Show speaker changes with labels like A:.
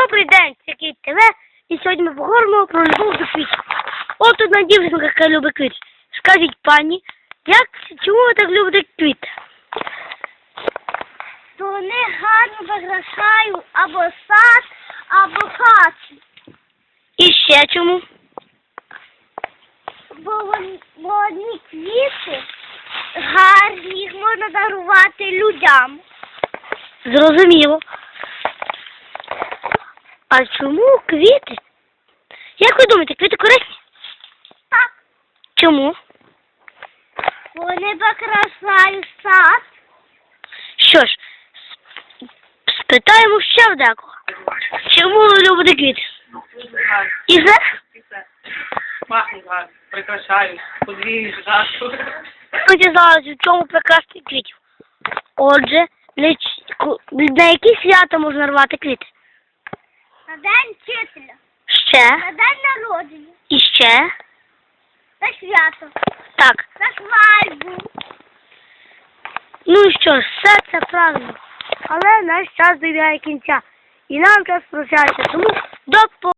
A: Добрий день, це Кіт ТВ, і сьогодні ми поговоримо про любов до квітів. От одна дівчинка, яка любить квіти. Скажіть, пані, чому ви так любите квіти?
B: То вони гарно прикрашають або сад, або хату.
A: І ще чому?
B: Бо вони квіти гарні, їх можна дарувати людям.
A: Зрозуміло. А чому квіти? Як ви думаєте, квіти корисні?
B: Так.
A: Чому?
B: Вони прикрашають сад.
A: Що ж, спитаємо ще в декого. Чому ви любите квіти? І все?
C: Пахнуть гарно, прикрашають, подвіють жарту.
A: Ви дізналися, в чому прекрасні квітів. Отже, на які свята можна рвати квіти?
B: На день вчителя.
A: Ще?
B: На день народження.
A: І ще?
B: На свято.
A: Так.
B: На свадьбу.
A: Ну і що ж, все це правильно. Але наш час добігає кінця. І нам час прощатися. Тому до